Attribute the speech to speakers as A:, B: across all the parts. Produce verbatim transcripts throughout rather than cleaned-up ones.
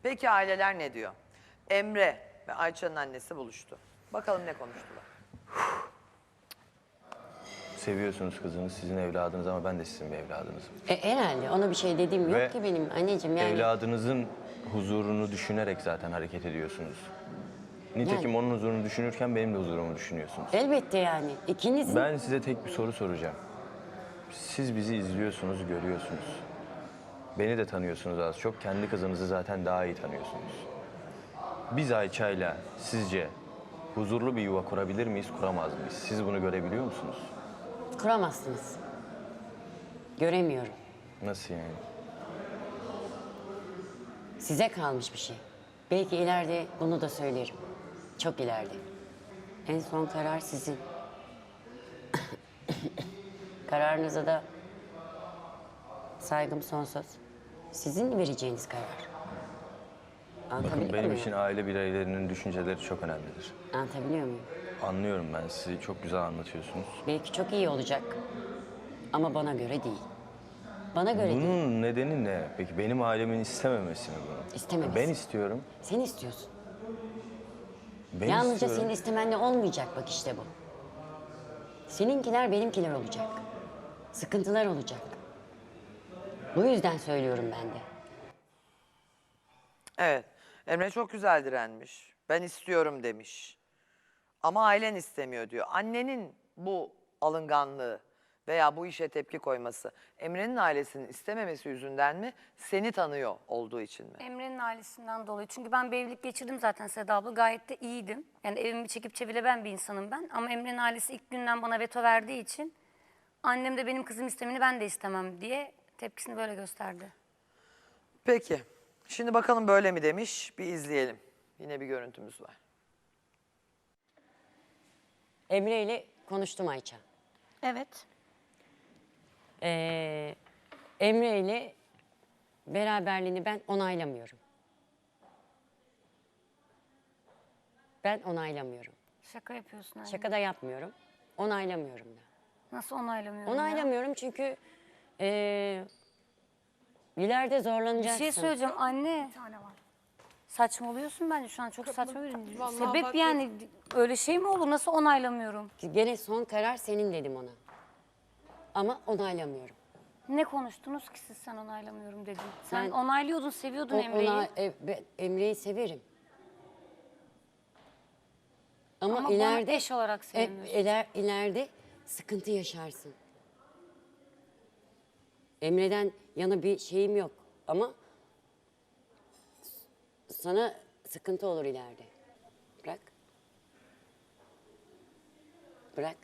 A: Peki aileler ne diyor? Emre ve Ayça'nın annesi buluştu. Bakalım ne konuştular.
B: Seviyorsunuz kızınız, sizin evladınız ama ben de sizin bir evladınızım.
C: E, herhalde ona bir şey dediğim
B: Ve
C: yok ki benim anneciğim yani.
B: Evladınızın huzurunu düşünerek zaten hareket ediyorsunuz. Nitekim
C: Yani-
B: onun huzurunu düşünürken benim de huzurumu düşünüyorsunuz.
C: Elbette yani. İkinizin
B: Ben size tek bir soru soracağım. Siz bizi izliyorsunuz, görüyorsunuz. Beni de tanıyorsunuz az çok. Kendi kızınızı zaten daha iyi tanıyorsunuz. Biz Ayça'yla sizce huzurlu bir yuva kurabilir miyiz, kuramaz mıyız? Siz bunu görebiliyor musunuz?
C: kuramazsınız. Göremiyorum.
B: Nasıl yani?
C: Size kalmış bir şey. Belki ileride bunu da söylerim. Çok ileride. En son karar sizin. Kararınıza da saygım sonsuz. Sizin vereceğiniz karar. Anlatabiliyor
B: Bakın benim
C: muyum?
B: için aile bireylerinin düşünceleri çok önemlidir.
C: Anlatabiliyor muyum?
B: Anlıyorum ben sizi, çok güzel anlatıyorsunuz.
C: Belki çok iyi olacak. Ama bana göre değil. Bana göre değil.
B: Bunun nedeni ne? Peki benim ailemin istememesi mi bunu?
C: İstememesi.
B: Ben istiyorum.
C: Sen istiyorsun.
B: Ben
C: Yalnızca
B: istiyorum.
C: senin istemenle olmayacak bak işte bu. Seninkiler benimkiler olacak. Sıkıntılar olacak. Bu yüzden söylüyorum ben de.
A: Evet. Emre çok güzel direnmiş. Ben istiyorum demiş. Ama ailen istemiyor diyor. Annenin bu alınganlığı veya bu işe tepki koyması Emre'nin ailesinin istememesi yüzünden mi, seni tanıyor olduğu için mi?
D: Emre'nin ailesinden dolayı. Çünkü ben bir evlilik geçirdim zaten Seda abla. Gayet de iyiydim. Yani evimi çekip çevirebilen bir insanım ben. Ama Emre'nin ailesi ilk günden bana veto verdiği için annem de benim kızım istemeni ben de istemem diye tepkisini böyle gösterdi.
A: Peki. Şimdi bakalım böyle mi demiş? Bir izleyelim. Yine bir görüntümüz var.
C: Emre ile konuştum Ayça.
D: Evet.
C: Ee, Emre ile beraberliğini ben onaylamıyorum. Ben onaylamıyorum.
D: Şaka yapıyorsun anne.
C: Şaka da yapmıyorum. Onaylamıyorum da.
D: Nasıl onaylamıyorum ya?
C: Onaylamıyorum çünkü ee, ileride
D: Bir
C: zorlanacaksın.
D: şey söyleyeceğim anne. Saçmalıyorsun bence şu an çok saçma bir
E: Vallahi
D: sebep
E: bak-
D: yani öyle şey mi olur? Nasıl onaylamıyorum?
C: Gene son karar senin dedim ona. Ama onaylamıyorum.
D: Ne konuştunuz ki siz sen onaylamıyorum dedin. Sen
C: Ben-
D: onaylıyordun, seviyordun
C: O-
D: Emre'yi.
C: ona- e, ben Emre'yi severim. Ama,
D: Ama bana
C: ileride
D: eş olarak
C: e,
D: sevmiyorsun.
C: iler- ileride sıkıntı yaşarsın. Emre'den yana bir şeyim yok ama sana sıkıntı olur ileride. Bırak. Bırak.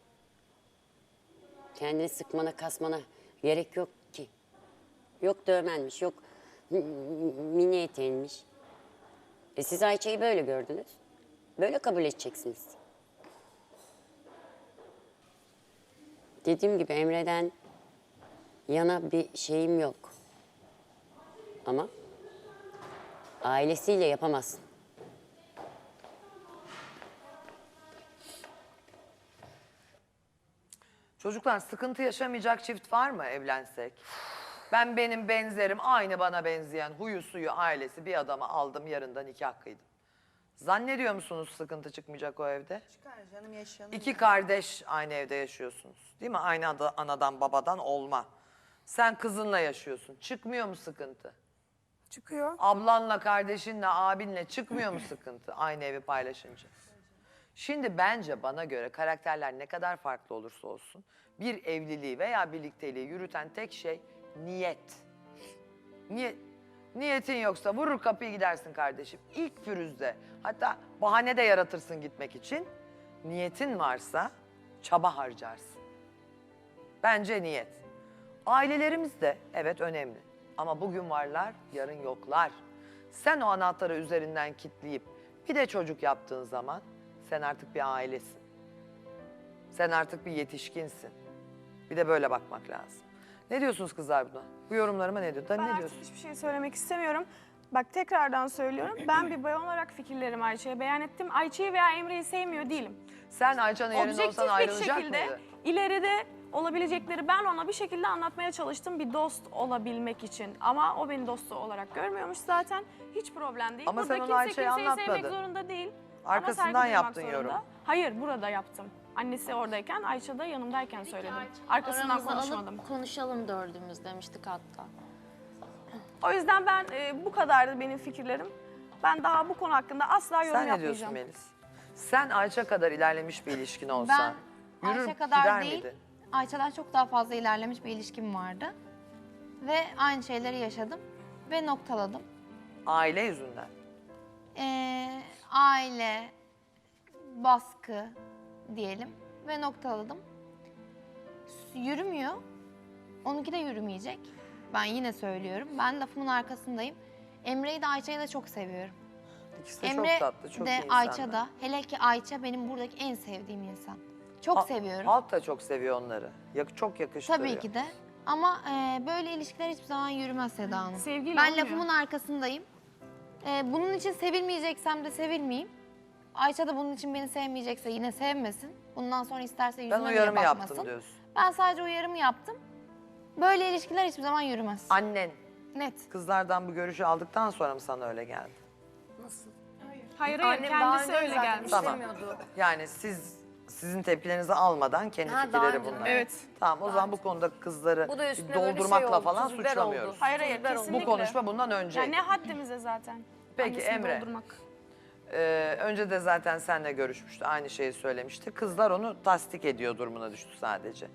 C: Kendini sıkmana, kasmana gerek yok ki. Yok dövmenmiş, yok m- m- mini eteğinmiş. E siz Ayça'yı böyle gördünüz. Böyle kabul edeceksiniz. Dediğim gibi Emre'den yana bir şeyim yok. Ama ailesiyle yapamazsın.
A: Çocuklar, sıkıntı yaşamayacak çift var mı evlensek? Ben benim benzerim, aynı bana benzeyen huyu suyu ailesi bir adamı aldım, yarın da nikah kıydım. Zannediyor musunuz sıkıntı çıkmayacak o evde?
E: Çıkar canım, yaşanır.
A: İki kardeş aynı evde yaşıyorsunuz. Değil mi? Aynı ada- anadan babadan olma. Sen kızınla yaşıyorsun. Çıkmıyor mu sıkıntı?
E: Çıkıyor.
A: Ablanla, kardeşinle, abinle çıkmıyor mu sıkıntı aynı evi paylaşınca? Şimdi bence bana göre karakterler ne kadar farklı olursa olsun bir evliliği veya birlikteliği yürüten tek şey niyet. Niyet. Niyetin yoksa vurur kapıyı gidersin kardeşim. İlk pürüzde, hatta bahane de yaratırsın gitmek için. Niyetin varsa çaba harcarsın. Bence niyet. Ailelerimiz de evet önemli. Ama bugün varlar, yarın yoklar. Sen o anahtarı üzerinden kilitleyip bir de çocuk yaptığın zaman sen artık bir ailesin. Sen artık bir yetişkinsin. Bir de böyle bakmak lazım. Ne diyorsunuz kızlar buna? Bu yorumlarıma ne diyor?
E: Ben
A: ne
E: artık
A: diyorsun?
E: hiçbir şey söylemek istemiyorum. Bak tekrardan söylüyorum. Ben bir bayan olarak fikirlerimi Ayça'ya beyan ettim. Ayça'yı veya Emre'yi sevmiyor değilim.
A: Sen Ayça'nın yerinde olsan
E: Objektif bir
A: ayrılacak
E: şekilde
A: mıydı?
E: ileride olabilecekleri ben ona bir şekilde anlatmaya çalıştım bir dost olabilmek için. Ama o beni dostu olarak görmüyormuş zaten. Hiç problem değil.
A: Ama
E: Burada
A: sen onu
E: kimse
A: Ayça'ya
E: kimseyi sevmek
A: anlatmadın.
E: zorunda değil.
A: Arkasından
E: Ama saygı duymak
A: yaptın
E: zorunda.
A: yorum.
E: Hayır, burada yaptım. Annesi oradayken, Ayça da yanımdayken söyledim.
F: Ayça,
E: Arkasından
F: aramıza
E: konuşmadım.
F: alıp konuşalım dördümüz demiştik hatta.
E: O yüzden ben e, bu kadardı benim fikirlerim. Ben daha bu konu hakkında asla yorum
A: Sen ne diyorsun
E: yapmayacağım.
A: Melis? Sen Ayça kadar ilerlemiş bir ilişkin olsa
G: Ben
A: yürür
G: Ayça kadar
A: gider
G: değil,
A: miydin?
G: Ayça'dan çok daha fazla ilerlemiş bir ilişkim vardı. Ve aynı şeyleri yaşadım ve noktaladım.
A: Aile yüzünden.
G: Ee, aile, baskı diyelim ve noktaladım. Yürümüyor, onunki de yürümeyecek. Ben yine söylüyorum, ben lafımın arkasındayım. Emre'yi de Ayça'yı da çok seviyorum.
A: İkisi de
G: Emre
A: çok tatlı, çok iyi
G: de
A: insanlar.
G: Ayça da, hele ki Ayça benim buradaki en sevdiğim insan. Çok
A: Ha-
G: seviyorum.
A: Halk da çok seviyor onları. Yak- çok yakıştırıyor.
G: Tabii ki de. Ama e, böyle ilişkiler hiçbir zaman yürümez Seda Hanım.
E: Sevgiyle
G: ben
E: olmuyor.
G: lafımın arkasındayım. E, bunun için sevilmeyeceksem de sevilmeyeyim. Ayça da bunun için beni sevmeyecekse yine sevmesin. Bundan sonra isterse
A: Ben
G: yüzüme bile
A: uyarımı
G: bakmasın.
A: yaptım diyorsun.
G: Ben sadece uyarımı yaptım. Böyle ilişkiler hiçbir zaman yürümez.
A: Annen
G: Net.
A: kızlardan bu görüşü aldıktan sonra mı sana öyle geldi?
E: Hayır hayır,
D: Annem daha
E: kendisi
D: önce
E: öyle
D: zaten
E: gelmiş.
A: Tamam.
D: istemiyordu.
A: Yani siz sizin tepkilerinizi almadan kendi
D: Ha, daha
A: fikirleri
D: önce.
A: bunlar.
E: Evet.
A: Tamam o zaman bu konuda kızları
D: Bu da üstüne böyle şey
A: doldurmakla
D: oldu,
A: falan
D: tuz biber
A: suçlamıyoruz.
D: oldu.
E: Hayır hayır,
D: Tuz biber oldu.
A: Bu
E: kesinlikle.
A: konuşma bundan önce.
E: Ya ne haddimize zaten.
A: Peki,
E: Annesini
A: Emre.
E: doldurmak.
A: Ee, önce de zaten seninle görüşmüştü. Aynı şeyi söylemişti. Kızlar onu tasdik ediyor durumuna düştü sadece.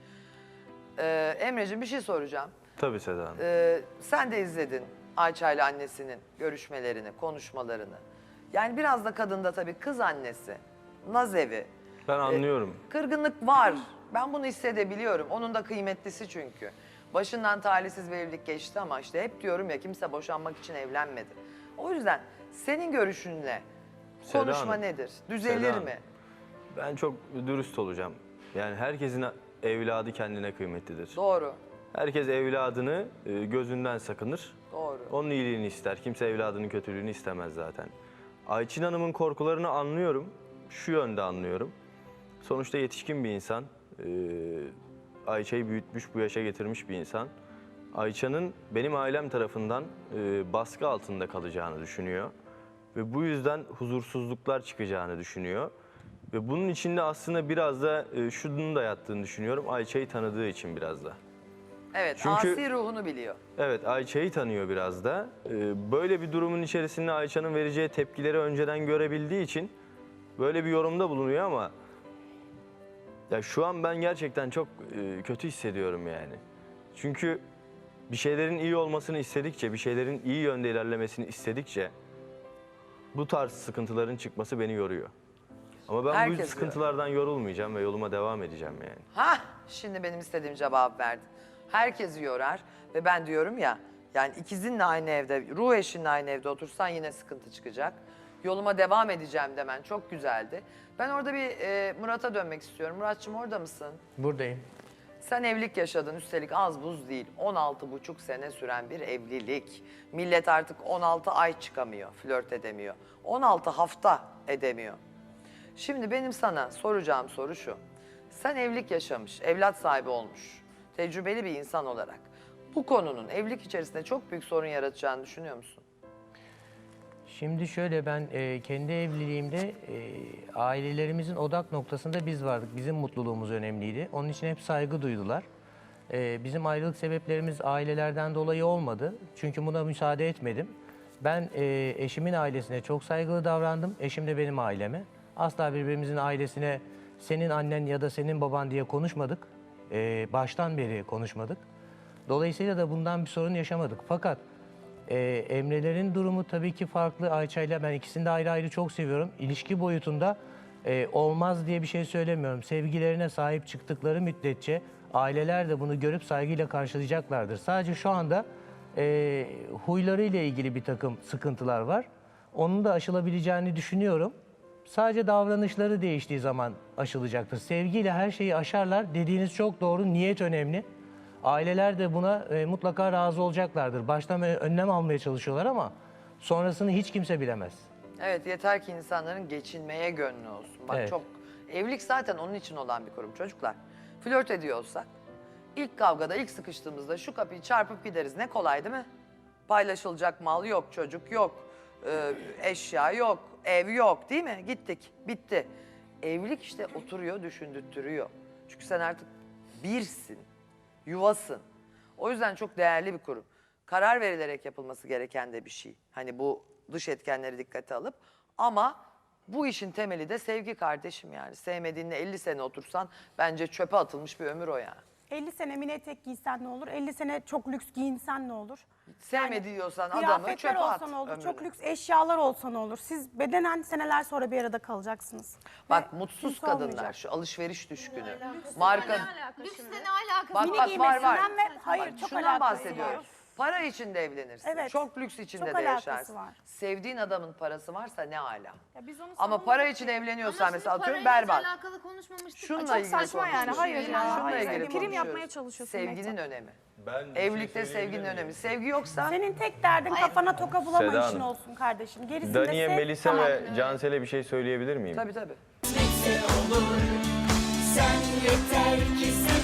A: Ee, Emre'ciğim bir şey soracağım.
B: Tabii Seda Hanım.
A: Ee, sen de izledin Ayça ile annesinin görüşmelerini, konuşmalarını. Yani biraz da kadında tabii kız annesi, naz evi,
B: Ben anlıyorum.
A: kırgınlık var. Ben bunu hissedebiliyorum. Onun da kıymetlisi çünkü. Başından talihsiz bir evlilik geçti ama işte hep diyorum ya kimse boşanmak için evlenmedi. O yüzden senin görüşünle
B: Seda
A: konuşma
B: Hanım,
A: nedir? Düzelir
B: Seda Hanım.
A: mi?
B: Ben çok dürüst olacağım. Yani herkesin evladı kendine kıymetlidir.
A: Doğru,
B: Herkes evladını e, gözünden sakınır.
A: doğru.
B: Onun iyiliğini ister. Kimse evladının kötülüğünü istemez zaten. Ayçin Hanım'ın korkularını anlıyorum. Şu yönde anlıyorum. Sonuçta yetişkin bir insan. Ee, Ayça'yı büyütmüş, bu yaşa getirmiş bir insan. Ayça'nın benim ailem tarafından e, baskı altında kalacağını düşünüyor. Ve bu yüzden huzursuzluklar çıkacağını düşünüyor. Ve bunun içinde aslında biraz da e, şunun da yattığını düşünüyorum. Ayça'yı tanıdığı için biraz da.
A: Evet,
B: Çünkü-
A: asi ruhunu biliyor.
B: Evet, Ayça'yı tanıyor biraz da. Ee, böyle bir durumun içerisinde Ayça'nın vereceği tepkileri önceden görebildiği için böyle bir yorumda bulunuyor ama ya şu an ben gerçekten çok e, kötü hissediyorum yani. Çünkü bir şeylerin iyi olmasını istedikçe, bir şeylerin iyi yönde ilerlemesini istedikçe bu tarz sıkıntıların çıkması beni yoruyor. Ama ben
A: Herkes
B: bu sıkıntılardan yorulmayacağım ve yoluma devam edeceğim yani.
A: Hah, şimdi benim istediğim cevap verdin. Herkesi yorar ve ben diyorum ya, yani ikizinle aynı evde, ruh eşinle aynı evde otursan yine sıkıntı çıkacak. Yoluma devam edeceğim demen çok güzeldi. Ben orada bir e, Murat'a dönmek istiyorum. Muratçım orada mısın?
H: Buradayım.
A: Sen evlilik yaşadın, üstelik az buz değil. on altı buçuk sene süren bir evlilik. Millet artık on altı ay çıkamıyor, flört edemiyor. on altı hafta edemiyor. Şimdi benim sana soracağım soru şu. Sen evlilik yaşamış, evlat sahibi olmuş, tecrübeli bir insan olarak bu konunun evlilik içerisinde çok büyük sorun yaratacağını düşünüyor musun?
H: Şimdi şöyle ben e, kendi evliliğimde e, ailelerimizin odak noktasında biz vardık. Bizim mutluluğumuz önemliydi. Onun için hep saygı duydular. E, bizim ayrılık sebeplerimiz ailelerden dolayı olmadı. Çünkü buna müsaade etmedim. Ben e, eşimin ailesine çok saygılı davrandım. Eşim de benim aileme. Asla birbirimizin ailesine senin annen ya da senin baban diye konuşmadık. E, baştan beri konuşmadık. Dolayısıyla da bundan bir sorun yaşamadık. Fakat Ee, Emre'lerin durumu tabii ki farklı. Ayça'yla ben ikisini de ayrı ayrı çok seviyorum. İlişki boyutunda e, olmaz diye bir şey söylemiyorum. Sevgilerine sahip çıktıkları müddetçe aileler de bunu görüp saygıyla karşılayacaklardır. Sadece şu anda e, huylarıyla ilgili bir takım sıkıntılar var. Onun da aşılabileceğini düşünüyorum. Sadece davranışları değiştiği zaman aşılacaktır. Sevgiyle her şeyi aşarlar. Dediğiniz çok doğru. Niyet önemli. Aileler de buna e, mutlaka razı olacaklardır. Baştan ö- önlem almaya çalışıyorlar ama sonrasını hiç kimse bilemez.
A: Evet, yeter ki insanların geçinmeye gönlü olsun. Bak
H: Evet.
A: çok, evlilik zaten onun için olan bir kurum çocuklar. Flört ediyorsak İlk kavgada, ilk sıkıştığımızda şu kapıyı çarpıp gideriz. Ne kolay değil mi? Paylaşılacak mal yok, çocuk yok, e, eşya yok, ev yok değil mi? Gittik, bitti. Evlilik işte oturuyor, düşündürtüyor. Çünkü sen artık birsin, yuvasın. O yüzden çok değerli bir kurum. Karar verilerek yapılması gereken de bir şey. Hani bu dış etkenleri dikkate alıp ama bu işin temeli de sevgi kardeşim yani. Sevmediğinle elli sene otursan bence çöpe atılmış bir ömür o yani.
I: elli sene mini etek giysen ne olur? elli sene çok lüks giyinsen ne olur?
A: Sevmedi diyorsan adamı
I: Kıyafetler
A: çöpe at
I: olsa ne olur?
A: ömrünü.
I: Çok lüks eşyalar olsa ne olur? Siz bedenen seneler sonra bir arada kalacaksınız.
A: Bak
I: Ve
A: mutsuz
I: kimse
A: kadınlar,
I: olmayacak.
A: şu alışveriş düşkünü. Marka...
G: Lüksle ne alakası
A: Bak
I: Mini
A: bak var var.
I: giymesinden ve- hayır,
A: Bak,
I: çok
A: şundan
I: alakası
A: bahsediyorum.
I: var.
A: Para için de evlenirsin.
I: Evet,
A: Çok lüks içinde
I: çok
A: de
I: alakası
A: yaşarsın.
I: var.
A: Sevdiğin adamın parası varsa ne ala.
E: Ya biz onu
A: Ama
E: savunmadık
A: para
E: ki.
A: için evleniyorsan
G: Ama
A: mesela
G: şimdi
A: atıyorum
G: parayla hiç
A: berbat.
G: alakalı konuşmamıştık.
A: Şununla
E: Çok
A: ilgili
E: saçma yani,
A: konuşuyoruz.
E: hayır ya,
A: Şununla
E: hayır.
A: ilgili
E: Prim
A: konuşuyoruz.
E: yapmaya çalışıyorsun
A: Sevginin
E: Mehtap.
A: önemi.
B: Ben bir şey
A: Evlilikte sevginin
B: söyleyebilir
A: önemi.
B: miyim?
A: Sevgi yoksa
I: Senin tek derdin kafana toka bulama
B: Seda
I: işin
B: Hanım.
I: olsun kardeşim. Gerisini
B: Daniye,
I: de sev.
B: Melisa
I: Tamam.
B: ve Cansel'e bir şey söyleyebilir miyim?
A: tabii tabii.
J: Sen yeter ki sen